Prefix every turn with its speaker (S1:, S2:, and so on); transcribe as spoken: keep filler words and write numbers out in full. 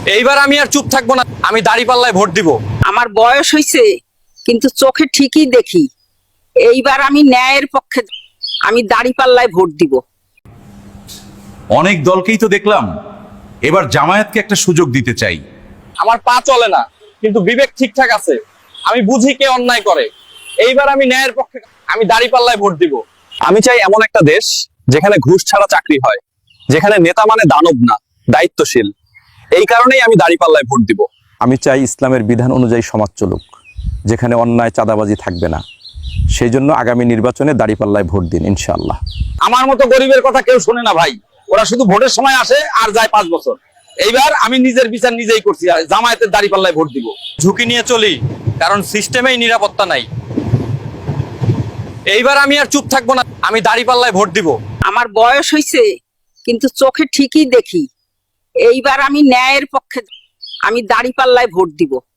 S1: এইবার আমি আর চুপ থাকবো না, আমি দাঁড়িপাল্লায় ভোট দিব।
S2: আমার বয়স হয়েছে, কিন্তু চোখে ঠিকই দেখি। এইবার আমি ন্যায়ের পক্ষে, আমি দাঁড়িপাল্লায় ভোট দিব।
S3: অনেক দলকেই তো দেখলাম, এবার জামায়াতকে একটা সুযোগ দিতে চাই।
S1: আমার পা চলে না, কিন্তু বিবেক ঠিকঠাক আছে। আমি বুঝি কে অন্যায় করে। এইবার আমি ন্যায়ের পক্ষে, আমি দাঁড়িপাল্লায় ভোট দিব। আমি চাই এমন একটা দেশ যেখানে ঘুষ ছাড়া চাকরি হয়, যেখানে নেতা মানে দানব না, দায়িত্বশীল। এই কারণেই আমি দাঁড়িপাল্লায় ভোট দিব।
S4: আমি চাই ইসলামের বিধান অনুযায়ী সমাজ চলুক, যেখানে অন্যায় চাঁদাবাজি থাকবে না। সেই জন্য আগামী নির্বাচনে দাঁড়িপাল্লায় ভোট দিন ইনশাআল্লাহ।
S1: আমার মতো গরিবের কথা কেউ শোনে না ভাই, ওরা শুধু ভোটের সময় আসে আর যায় পাঁচ বছর। এইবার আমি নিজের বিচার নিজেই করছি, জামায়াতের দাঁড়িপাল্লায় ভোট দিব। ঝুঁকি নিয়ে চলি, কারণ সিস্টেমেই নিরাপত্তা নাই। এইবার আমি আর চুপ থাকবো না, আমি দাঁড়িপাল্লায় ভোট দিব।
S2: আমার বয়স হয়েছে, কিন্তু চোখে ঠিকই দেখি। এইবার আমি ন্যায়ের পক্ষে, আমি দাঁড়িপাল্লায় ভোট দিব।